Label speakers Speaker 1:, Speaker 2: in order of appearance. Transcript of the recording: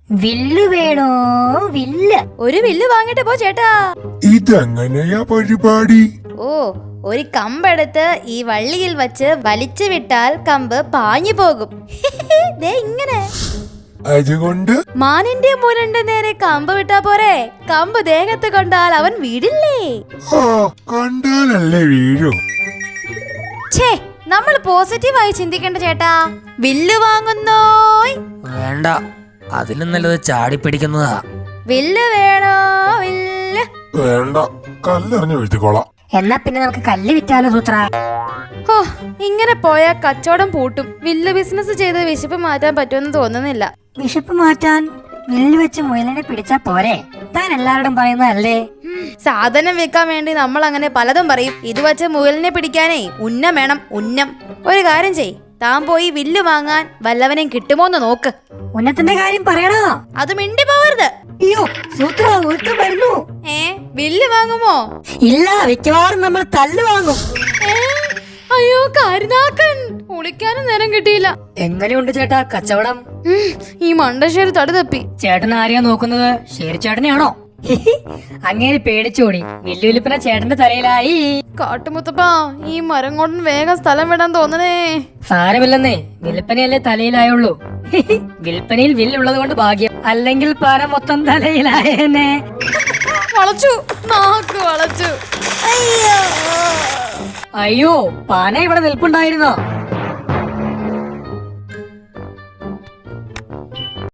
Speaker 1: വില്ല് വേണോ? വില്ല്.
Speaker 2: ഒരു വില്ല് വാങ്ങിട്ട് പോ ചേട്ടാ.
Speaker 3: ഇതെങ്ങനെയാ പരിപാടി?
Speaker 2: ഓ, ഒരു കമ്പെടുത്ത് ഈ വള്ളിയിൽ വച്ച് വലിച്ചു വിട്ടാൽ കമ്പ് പാഞ്ഞു പോകും. ദേ ഇങ്ങനെ.
Speaker 3: അതുകൊണ്ട്
Speaker 2: മാനിന്റെ മുരന്റെ നേരെ കമ്പ് വിട്ടാ പോരെ? കമ്പ് ദേഹത്ത് കൊണ്ടാൽ അവൻ വീടില്ലേ?
Speaker 3: ആ കണ്ടാലല്ലേ വീഴൂ.
Speaker 2: ഛേ, നമ്മൾ പോസിറ്റീവായി ചിന്തിക്കേണ്ട ചേട്ടാ. വില്ല് വാങ്ങുന്നോ?
Speaker 4: വേണ്ട, അതിലും നല്ലത് ചാടി പിടിക്കുന്നതാ.
Speaker 2: വില്ല് വേണോ? വില്ല്
Speaker 3: വേണ്ട, കല്ലെറിഞ്ഞു വീഴ്ത്തിക്കോളാം.
Speaker 1: എന്നാ പിന്നെ നമുക്ക് കല്ല് വിറ്റാലോ സൂത്ര?
Speaker 2: ഓ, ഇങ്ങനെ പോയാൽ കച്ചവടം പൂട്ടും. വില്ല് ബിസിനസ് ചെയ്ത് വിശപ്പ് മാറ്റാൻ പറ്റുമെന്ന് തോന്നുന്നില്ല.
Speaker 1: വിശപ്പ് മാറ്റാൻ വില്ല് വെച്ച് മുയലിനെ പിടിച്ചാ പോരെ? താൻ എല്ലാവരോടും പറയുന്നതല്ലേ?
Speaker 2: സാധനം വിൽക്കാൻ വേണ്ടി നമ്മൾ അങ്ങനെ പലതും പറയും. ഇത് വച്ച് മുയലിനെ പിടിക്കാനേ ഉന്നം വേണം, ഉന്നം. ഒരു കാര്യം ചെയ്, താൻ പോയി വില്ല് വാങ്ങാൻ വല്ലവനെയും കിട്ടുമോന്ന് നോക്ക്.
Speaker 1: ഉന്നത്തിന്റെ കാര്യം പറയണോ?
Speaker 2: അത് മിണ്ടി പോവരുത്.
Speaker 1: അയ്യോ സൂത്ര, ഒരുത്തൻ വരുന്നു.
Speaker 2: വില്ല് വാങ്ങുമോ?
Speaker 1: ഇല്ല, മിക്കവാറും നമ്മൾ തല്ല് വാങ്ങും.
Speaker 2: അയ്യോ കാരിനാക്കൻ, കുളിക്കാനും നേരം കിട്ടിയില്ല.
Speaker 1: എങ്ങനെയുണ്ട് ചേട്ടാ കച്ചവടം?
Speaker 2: ഈ മണ്ടശ്ശേരി തടി തപ്പി.
Speaker 1: ചേട്ടൻ ആരെയാ നോക്കുന്നത്? ഷേരി ചേട്ടനെയാണോ? അങ്ങനെ പേടിച്ചോടി. വില്ലുവിലിപ്പന ചേട്ടന്റെ തലയിലായി.
Speaker 2: കാട്ടുമുത്തപ്പാ, ഈ മരം കൊണ്ട് വേഗം സ്ഥലം വിടാൻ തോന്നണേ.
Speaker 1: സാരമില്ലെന്നേ, വിൽപ്പനയല്ലേ തലയിലായുള്ളൂ. വിൽപ്പനയിൽ വില്ലുള്ളത് കൊണ്ട് ഭാഗ്യം, അല്ലെങ്കിൽ പാര മൊത്തം തലയിലായേനെ.
Speaker 2: വളച്ചു, നാക്ക് വളച്ചു.
Speaker 1: അയ്യോ, പാന ഇവിടെ നിൽപ്പുണ്ടായിരുന്നോ?